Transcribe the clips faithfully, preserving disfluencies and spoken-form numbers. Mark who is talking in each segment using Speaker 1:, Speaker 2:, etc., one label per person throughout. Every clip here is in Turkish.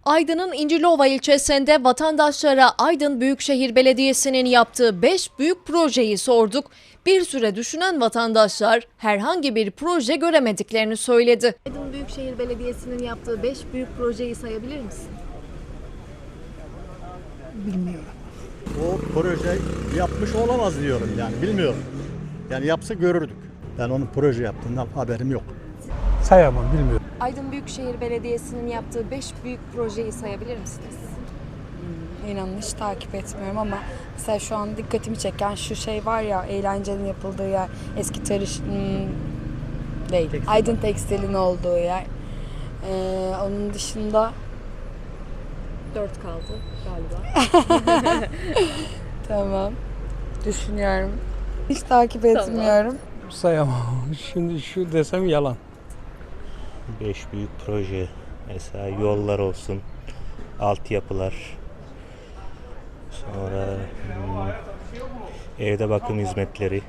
Speaker 1: Aydın'ın İncilova ilçesinde vatandaşlara Aydın Büyükşehir Belediyesi'nin yaptığı beş büyük projeyi sorduk. Bir süre düşünen vatandaşlar herhangi bir proje göremediklerini söyledi. Aydın Büyükşehir Belediyesi'nin yaptığı beş büyük projeyi sayabilir misin?
Speaker 2: Bilmiyorum.
Speaker 3: O proje yapmış olamaz diyorum yani bilmiyorum. Yani yapsa görürdük. Ben onun proje yaptığından haberim yok.
Speaker 2: Sayamam, bilmiyorum.
Speaker 1: Aydın Büyükşehir Belediyesi'nin yaptığı beş büyük projeyi sayabilir misiniz?
Speaker 4: İnanın hiç takip etmiyorum ama mesela şu an dikkatimi çeken şu şey var ya, eğlencenin yapıldığı yer, eski tarış hmm, değil, Aydın Tekstil'in olduğu yer. Ee, onun dışında
Speaker 1: Dört kaldı galiba.
Speaker 4: tamam, düşünüyorum. Hiç takip etmiyorum.
Speaker 2: Sayamam. Şimdi şu desem yalan.
Speaker 5: Beş büyük proje, mesela yollar olsun, altyapılar, sonra hmm, evde bakım hizmetleri,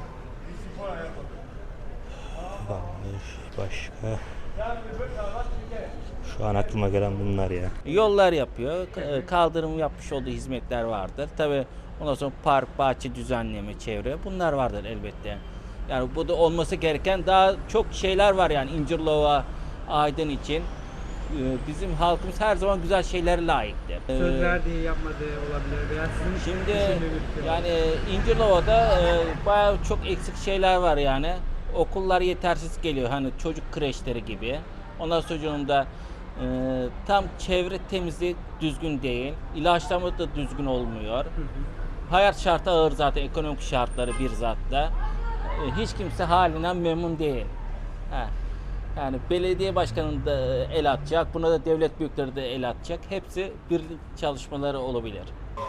Speaker 5: başka, şu an aklıma gelen bunlar ya.
Speaker 6: Yollar yapıyor, k- kaldırım yapmış olduğu hizmetler vardır. Tabii ondan sonra park, bahçe düzenleme, çevre bunlar vardır elbette. Yani bu da olması gereken daha çok şeyler var yani İncirlova, Aydın için. Ee, Bizim halkımız her zaman güzel şeylere layıktır. Ee,
Speaker 7: Söz verdiği yapmadığı olabilir veya sizin
Speaker 6: Şimdi
Speaker 7: düşündüğünüz şey.
Speaker 6: yani İncirlova'da e, bayağı çok eksik şeyler var yani. Okullar yetersiz geliyor hani çocuk kreşleri gibi. Ondan sonra e, tam çevre temizliği düzgün değil. İlaçlama da düzgün olmuyor. Hayat şartı ağır zaten, ekonomik şartları bir zatta. E, hiç kimse halinden memnun değil. Ha. Yani belediye başkanının da el atacak, buna da devlet büyükleri de el atacak. Hepsi birlik çalışmaları olabilir.